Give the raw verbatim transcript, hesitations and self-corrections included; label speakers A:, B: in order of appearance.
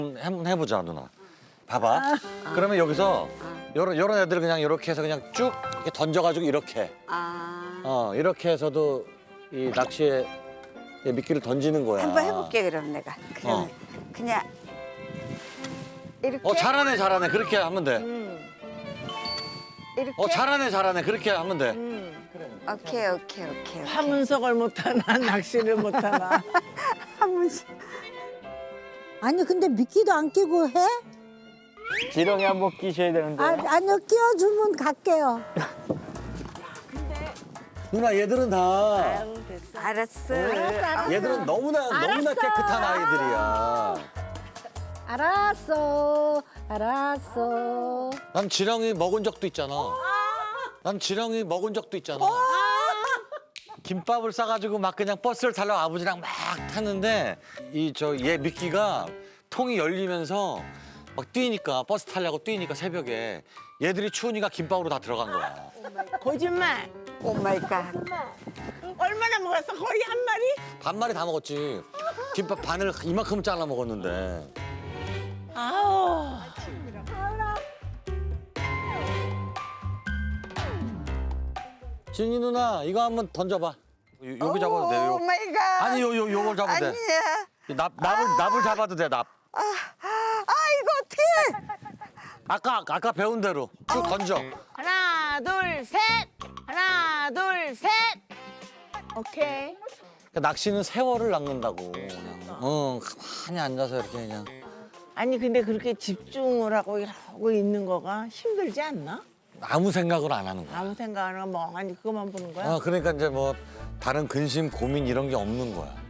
A: 한번 해보자 누나. 봐봐. 그러면 여기서 요런 요런 애들 그냥 이렇게 해서 그냥 쭉 이렇게 던져가지고 이렇게.
B: 아.
A: 어 이렇게 해서도 이 낚시에 미끼를 던지는 거야.
B: 한번 해볼게 그럼 내가. 그럼
A: 어.
B: 그냥 이렇게.
A: 어 잘하네 잘하네 그렇게 하면 돼.
B: 이렇게.
A: 어 잘하네 잘하네 그렇게 하면 돼.
B: 오케이 오케이 오케이. 오케이.
C: 화문석을 못하나 낚시를 못하나.
B: 한문씩.
D: 아니 근데 미끼도 안 끼고 해?
E: 지렁이 한번 끼셔야 되는데.
D: 아, 아니요 끼워주면 갈게요.
A: 누나 얘들은 다
B: 알았어.
A: 얘들은 너무나 너무나 깨끗한 아이들이야.
D: 알았어, 알았어.
A: 난 지렁이 먹은 적도 있잖아. 난 지렁이 먹은 적도 있잖아. 김밥을 싸가지고 막 그냥 버스를 타려고 아버지랑 막 탔는데 이 저 얘 미끼가 통이 열리면서 막 뛰니까 버스 타려고 뛰니까 새벽에 얘들이 추우니까 김밥으로 다 들어간 거야.
C: 거짓말.
B: 오 마이 갓.
C: 얼마나 먹었어? 거의 한 마리?
A: 반마리 다 먹었지. 김밥 반을 이만큼 잘라 먹었는데.
C: 아우.
A: 진이 누나 이거 한번 던져봐. 요, 여기 잡아도 돼.
B: 오
A: 요.
B: 마이 갓.
A: 아니 요, 요, 요걸 잡아도 돼.
B: 아니야.
A: 납, 납을, 납을 잡아도 돼, 납.
B: 아, 아 이거 어떡해.
A: 아까, 아까 배운 대로 쭉 던져.
C: 하나, 둘, 셋. 하나, 둘, 셋. 오케이.
A: 그러니까 낚시는 세월을 낚는다고. 그냥. 어, 가만히 앉아서 이렇게 그냥.
C: 아니 근데 그렇게 집중을 하고 하고 있는 거가 힘들지 않나?
A: 아무 생각을 안 하는 거야.
C: 아무 생각 안 하고 멍하니 그것만 보는 거야?
A: 어, 그러니까 이제 뭐 다른 근심, 고민 이런 게 없는 거야.